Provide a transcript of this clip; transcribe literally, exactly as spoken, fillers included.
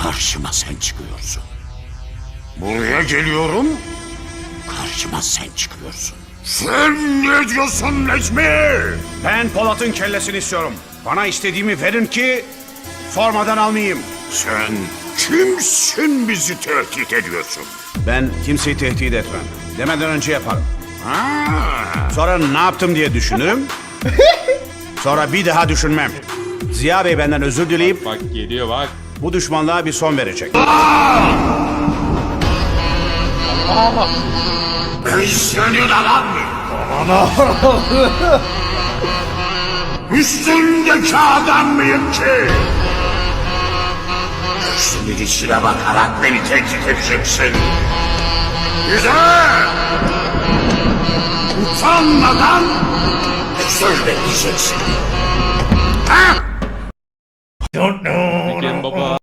Karşıma sen çıkıyorsun. Buraya geliyorum. Karşıma sen çıkıyorsun. Sen ne diyorsun Necmi? Ben Polat'ın kellesini istiyorum. Bana istediğimi verin ki sormadan almayayım. Sen kimsin bizi tehdit ediyorsun? Ben kimseyi tehdit etmem. Demeden önce yaparım. Ha, Sonra ne yaptım diye düşünürüm. Sonra bir daha düşünmem. Ziya Bey benden özür dileyip Bak geliyor bak. bu düşmanlığa bir son verecek. ben senin adam mıyım? Üstündeki adam mıyım ki? Gözümün içine bakarak beni tehdit edeceksin. Güzel! Utanmadan söz bekleyeceksin. Ha? Don't know